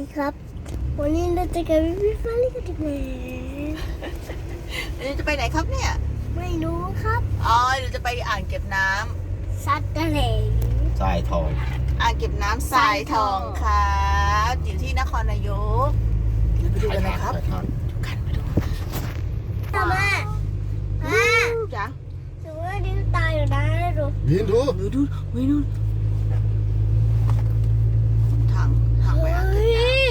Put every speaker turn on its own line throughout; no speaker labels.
ครับวันนี้เราจะกับพี่ฟ้าลิขิตแหม
เราจะไปไหนครับเนี่ย
ไม่รู้ครับ
อ๋อเราจะไปอ่างเก็บน้ำ
สัตว์ทะเล
ทรายทอง
อ่างเก็บน้ำทรายทองครับอยู่ที่นครนายกเดี๋ยวไปดูกันนะครับ
ทาน
ดูกันไปดู
ทำไมอ่ะ
จ้ะ
ถือว่าดิ้นตายอยู่นะดู
ยืนดู
ดูไม่นู่นทางไปอ่าง
เฮ้
เก็บน้
ย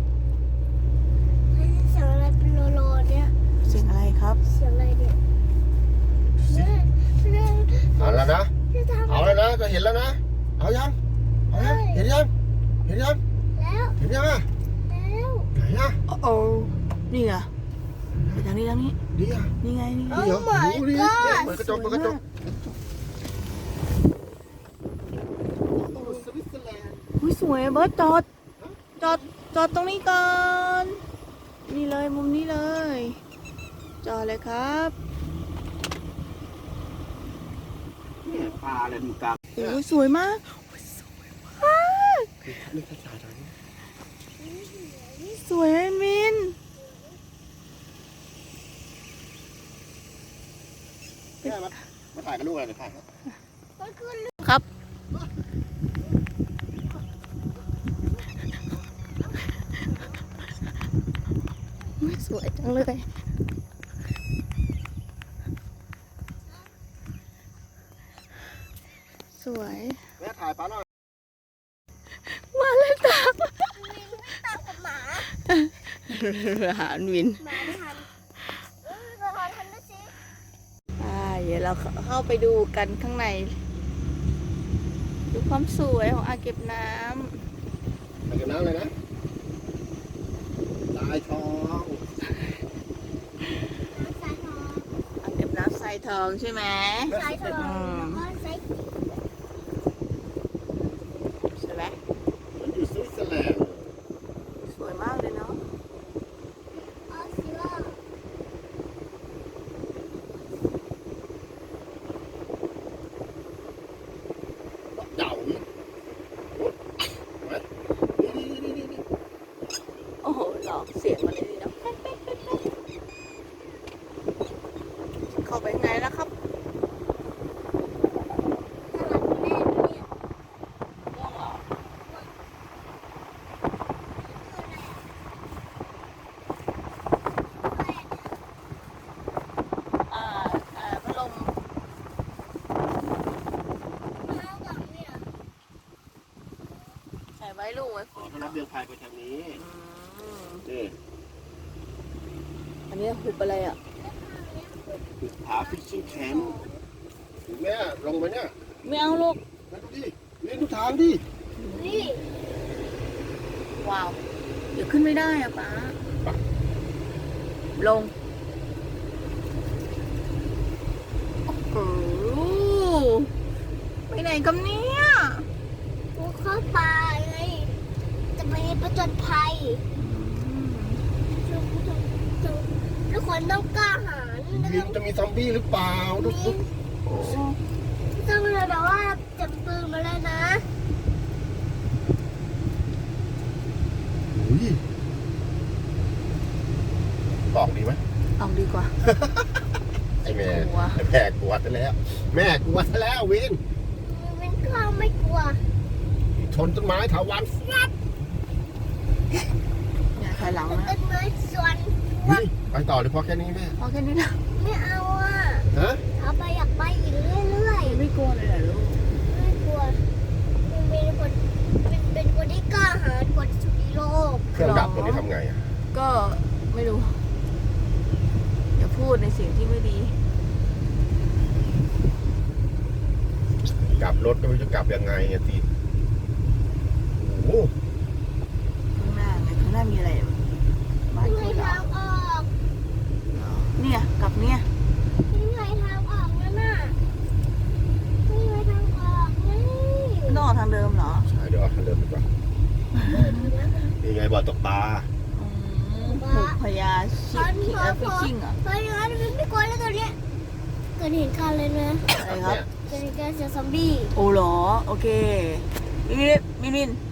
เฮ้ยเสียงอะไรเป็นโลเนี่ย
ำเสียงอะไรครับ
เสียงอะไรเนี่ยเฮ้ยเฮ้ย
เอาแล้วนะ
จะทำ
เอาแล้วนะจะเห็นแล้วนะ เอายังเอายังเห็นยังเห็นยัง
แล้ว
เห็นยังอ่ะ
แล้ว
ไหนอ่ะ
โอ้นี่ไงไปทางนี้
ดีอ่ะ
นี่ไงนี่ไง
ดีเหรอดูดิเหมือนกระจกเหมือนกระจกสวิตเซอร์แลนด์
อุ้ยสวยอะเบิร์ตจอดตรงนี้ก่อนนี่เลยมุมนี้เลยจอดเลยครับ
เนี่ยปลาอะไรอยู่กลาง
โอ้ยสวยมากโอ้ยสวยมาก
นี่ภาษาไทย
สวยอะมิน
เนี่ยมาถ่ายกับลูกอะไรเนี่ยถ่ายครับ
มันคือ
ครับอุ๊ยสวยจังเลย สวย
แม่ถ่ายปลาหน่อย
มาเลยตาม
ตามกับหมา
หาวิน
หมาไม่ทันเราขอทันด้วยสิ
เดี๋ยวเราเข้าไปดูกันข้างใน ดูความสวยของอ่างเก็บน้ำ
ถ่ายกับน้ำเลยนะทรายทอง
สายทอง
อ่างเก็บน้ำทรายทองใช่ไหม
สายทองแล้วก็สาย
ใช่ไหม
มันอยู่สวิตเซอร์แลนด์
สวยมากเลยเนาะ
ออสซิล่า
เต่านี่นี่
โอ้โหหลอกเสียงมาเลยเนาะเข้าไปข้างในแล้วครับ
ตลาดแม่เนี่ย
พัดลม
มากับเนี่ย
ใส่ไว้ลูกไว้ฝ
อ๋อน เขารับเรือพายไปทางนี้
อืม
นี่
อันนี้หุบอะไรอ่ะ
คือผาฟิชชิ่งแคมป์แม่ลงไปเนี่ย
ไม่เอาลูก
มาดูดิเล่นทุกทางดิ
นี่
ว้าว เดี๋ยวขึ้นไม่ได้อ่ะป๊าลง โอ้โหไปไหนกันเนี่ย
กูเข้าป่าไงจะไปประจนภัยทุกคนต้องกล้าหาญ
วินจะมีซอมบี้หรือเปล่าดูสิ
โอ้
ต้องเลยแบบว่าจับปืนมาเลยนะ
อุ้ยบอกดีไหม
เอาดีกว่า
ไอ้แม่
กลัว
ไอ้แม่กลัวซะแล้ว แม่กลัวซะแล้ววิน
มันก็ไม่กลัว
ชนต้นไม้ถาวันฟัด
อย่าถอยหลัง
ต้
นะ
นไม้ส่วน
วิไปต่อเลยพอแค่นี้แม่
เอาแค่นี้นะ
ไม่เอาอ่ะ
ฮะ
เอาไปอยากไปอีกเรื่อย
ไม่กลัวเลยเหรอลูก
ๆไม่กลัวมันเป็นคนที่กล้าหาญกว่าที่สุดในโลก
เครื่องดับตัวนี้ทำไงอ่ะ
ก็ไม่รู้ อย่าพูดในสิ่งที่ไม่ดี
กลับรถก็ไม่รู้จะกลับยังไงอ่ะทีโอ้โห
ข้างหน้าไงข้างหน้ามีอะไรบ้าน
ยังไง
คุณเหรอ
ทางออก
เนี่ยกลับเนี่ย
ยังไงทางออกนั่นน่ะยังไงทางออกนี่
ต้องออกทางเดิมเหรอ
ใช่เดี๋ยวเอาคันเดิมดีกว่านี่ไงบ่อตกปลา
ผูกพญาชิคฟิชชิ่งเหรอ
เพราะอย่างนั้นมันไม่กลัวแล้วตัวเนี้ยเกิดเหตุการณ์เลยนะ
อะไรครับ
เกิดเหตุการณ์เจอซอมบี้
โอ้เหรอ โอเคมิน